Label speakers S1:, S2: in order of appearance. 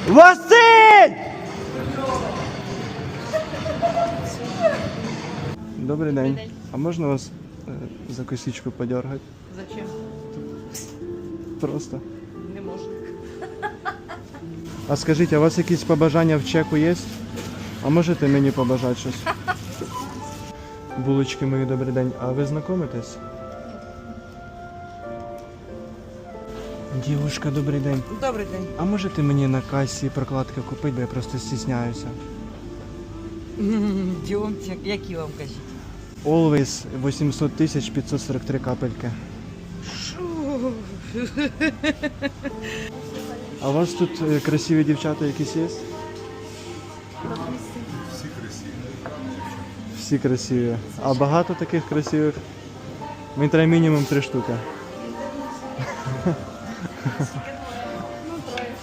S1: Василь! Добрий день. А можна вас за косичку подергати?
S2: Зачем?
S1: Просто.
S2: Не можна.
S1: А скажіть, а у вас якісь побажання в чеку є? А можете мені побажати щось? Булочки мої, добрий день. А ви знайомитесь? Дівушка, добрий день.
S2: Добрий день.
S1: А можете мені на касі прокладки купити, бо я просто стісняюся.
S2: Діомте, які вам кажуть?
S1: Always 800 543 капельки. А у вас тут красиві дівчата якісь є? Всі красиві. А багато таких красивих? Мені треба мінімум 3 штуки.